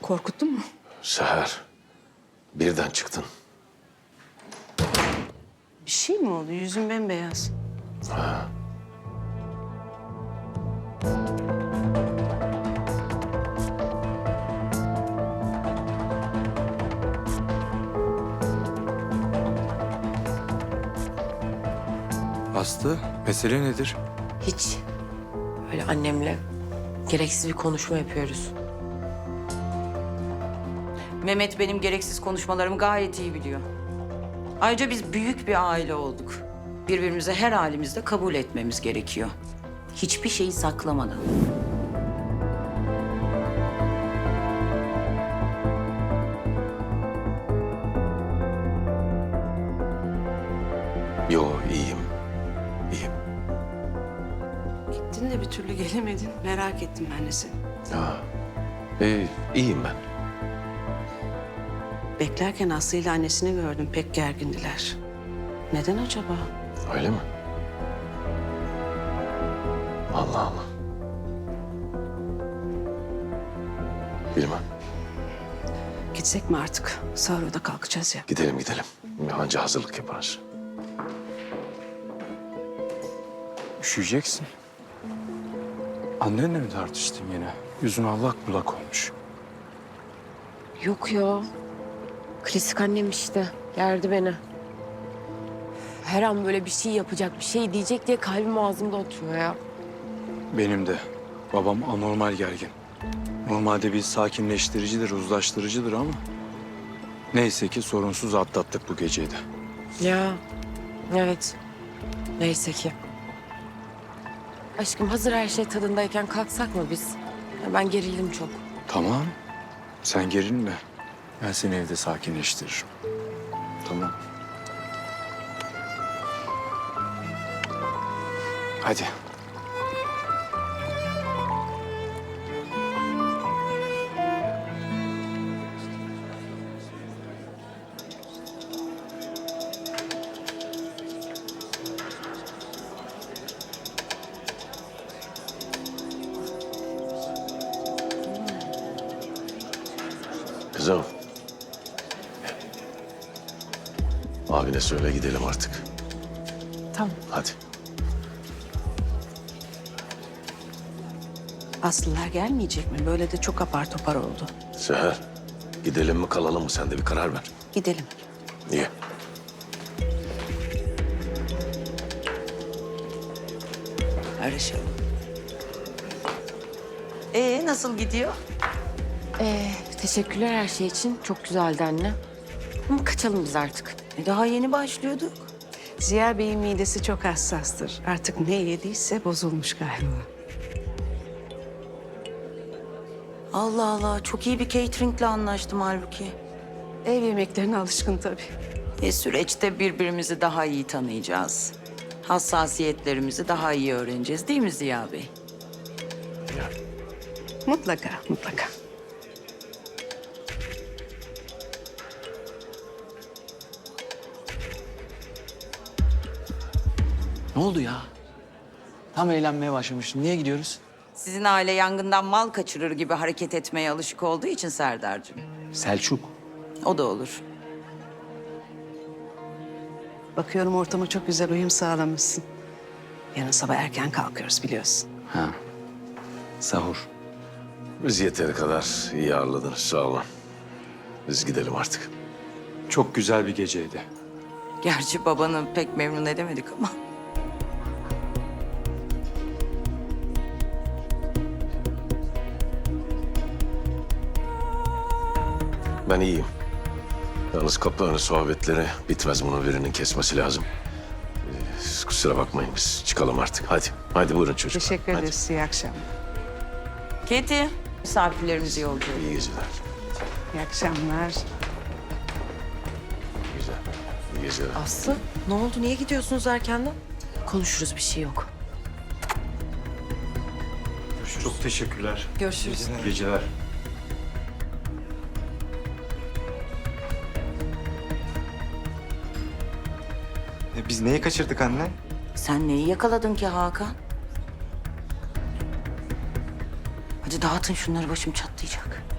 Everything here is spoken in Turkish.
Korkuttun mu? Seher, birden çıktın. Bir şey mi oldu? Yüzün bembeyaz. Aslı, mesele nedir? Hiç. Öyle annemle gereksiz bir konuşma yapıyoruz. Mehmet benim gereksiz konuşmalarımı gayet iyi biliyor. Ayrıca biz büyük bir aile olduk. Birbirimizi her halimizde kabul etmemiz gerekiyor. Hiçbir şeyi saklamadan. Yo, iyiyim. İyiyim. Gittin de bir türlü gelemedin. Merak ettim ben de seni. Ha. İyiyim ben. Beklerken Aslı ile annesini gördüm. Pek gergindiler. Neden acaba? Öyle mi? Allah Allah. Bilmem. Gitsek mi artık? Sahura da kalkacağız ya. Gidelim gidelim. Anca hazırlık yaparız. Üşüyeceksin. Annenle mi tartıştın yine? Yüzün allak bullak olmuş. Yok ya. Klasik annem işte. Gerdi beni. Her an böyle bir şey yapacak, bir şey diyecek diye kalbim ağzımda oturuyor ya. Benim de. Babam anormal gergin. Normalde bir sakinleştiricidir, uzlaştırıcıdır ama... Neyse ki sorunsuz atlattık bu geceyi de. Ya, evet. Neyse ki. Aşkım hazır her şey tadındayken kalksak mı biz? Ya ben gerildim çok. Tamam. Sen gerilme. Ben seni evde sakinleştiririm. Tamam. Hadi. Kızım. Abine söyle gidelim artık. Tamam. Hadi. Aslılar gelmeyecek mi? Böyle de çok apar topar oldu. Seher, gidelim mi kalalım mı? Sen de bir karar ver. Gidelim. Niye? Arışalım. Nasıl gidiyor? Teşekkürler her şey için. Çok güzeldi anne. Ama kaçalım biz artık. Daha yeni başlıyorduk. Ziya Bey'in midesi çok hassastır. Artık ne yediyse bozulmuş galiba. Allah Allah, çok iyi bir cateringle anlaştım halbuki. Ev yemeklerine alışkın tabii. Süreçte birbirimizi daha iyi tanıyacağız. Hassasiyetlerimizi daha iyi öğreneceğiz değil mi Ziya Bey? Mutlaka, mutlaka. Ne oldu ya? Tam eğlenmeye başlamıştım. Niye gidiyoruz? Sizin aile yangından mal kaçırır gibi hareket etmeye alışık olduğu için Serdar'cığım. Selçuk. O da olur. Bakıyorum ortama çok güzel uyum sağlamışsın. Yarın sabah erken kalkıyoruz biliyorsun. Ha. Sahur. Biz yeteri kadar iyi ağırladınız. Sağ olun. Biz gidelim artık. Çok güzel bir geceydi. Gerçi babanı pek memnun edemedik ama. Ben iyiyim. Yalnız kapı önü sohbetleri bitmez. Bunun birinin kesmesi lazım. Kusura bakmayın biz çıkalım artık. Hadi. Hadi buyurun çocuklar. Teşekkür Hadi. ederiz. İyi akşamlar. Keti, misafirlerimizi yolcu ediyoruz. İyi geceler. İyi akşamlar. Güzel. İyi geceler. Aslı ne oldu? Niye gidiyorsunuz erkenden? Konuşuruz bir şey yok. Çok teşekkürler. Görüşürüz. İyi geceler. Biz neyi kaçırdık anne? Sen neyi yakaladın ki Hakan? Hadi dağıtın şunları, başım çatlayacak.